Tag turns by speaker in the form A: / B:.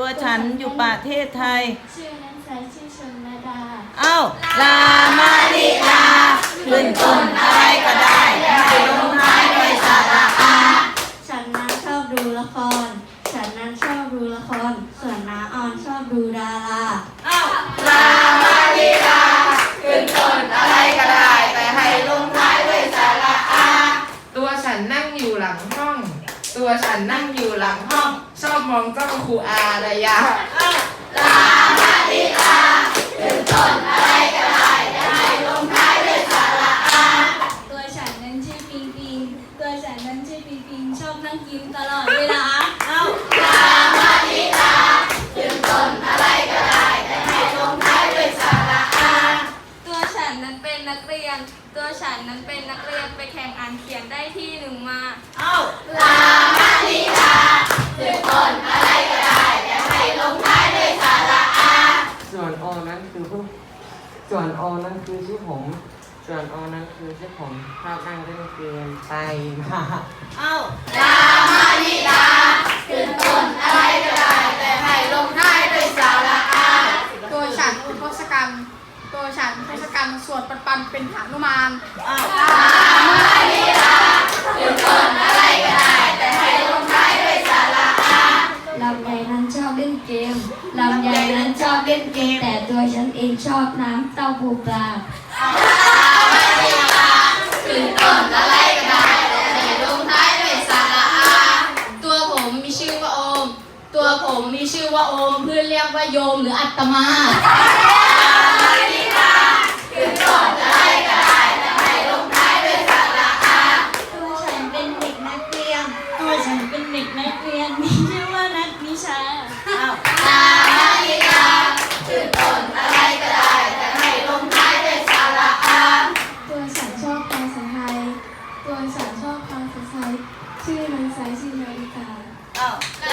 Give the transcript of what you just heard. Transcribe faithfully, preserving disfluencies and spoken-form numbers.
A: ฉันอยู่ประเทศไทย
B: ชื่อนั้นใช้ชื่อชนระดา
A: เอ้าลามาลิลาขึ้นต้นอะไรก็ได้ให้ลงท้ายด้วยสระอา
B: ฉันนั้นชอบดูละครฉันนั้นชอบดูละครส่วนน้าออนชอบดูดารา
A: เอ้าลามาลิลาขึ้นต้นอะไรก็ได้แต่ให้ลงท้ายด้วยสระอา
C: ตัวฉันนั่งอยู่หลังห้องตัวฉันนั่งอยู่หลังห้องชอบมองเจ้าครูอาระยะ
A: ลามาลิลาขึ้นต้นอะไรก็ได้แต่ให้ลงท้ายด้วยสระอา
B: ตัวฉันนั้นชื่อปิงปิงตัวฉันนั้นชื่อปิงปิงชอบนั่งกินตลอดเวลา
A: เอ้าลามาลิลาขึ้นต้นอะไรก็ได้แต่ให้ลงท้ายด้วยสระอา
B: ตัวฉันนั้นเป็นนักเรียนตัวฉันนั้นเป็นนักเรียนไปแข่งอ่านเขียนได้ที่หนึ่งมา
A: เอ้าลามาลิลาขึ้นต้นอะไรก็ได้แต่ให้ลงท้ายด้วยสระอา
D: ส่วนโอนั้นคือผู้ส่วนโอนั้นคือชื่อผมส่วนโอนั้นคือชื่อผมชอบนั่งเล่นเกมไปมา
A: เอ้าลามาลิลาขึ้นต้นอะไรก็ได้แต่ให้ลงท้ายด้วยสระอา
E: ตัวฉันทศกัณฐ์ตัวฉันทศกัณฐ์สวดปันปันเป็นหนุมาน
A: เอ้าลามาลิลาขึ้นต้นอะไรก็ได้แต่ให้ลงท้ายด้วยสระอา
B: ลำไยนั้นชอบเล่นเกมลำไยนั้นชอบเล่นเกมแต่ตัวฉันเองชอบน้ำเต้าหู้ปลา
A: ขึ้นต้นอะไรก็ได้แต่ให้ลงท้ายด้วยสระอา
E: ตัวผมมีชื่อว่าโอมตัวผมมีชื่อว่าโอมเพื่อนเรียกว่าโยมหรืออัตมา
A: ขึ้นต้นอะไรก็ได้แต่ให้ลงท้ายด้วยสระอา
B: ตัวฉันเป็นเด็กนักเรียนตัวฉันเป็นเด็กนักเรียนมีชื่อว่านัทนิชา
A: อ้าวลามาลิลาขึ้นต้นอะไรก็ได้แต่ให้ลงท้ายด้วยสระอา
B: ตัวฉันชอบภาษาไทยตัวฉันชอบภาษาไทยชื่อนันไซชื่อนาฬิกา
A: อ้าวล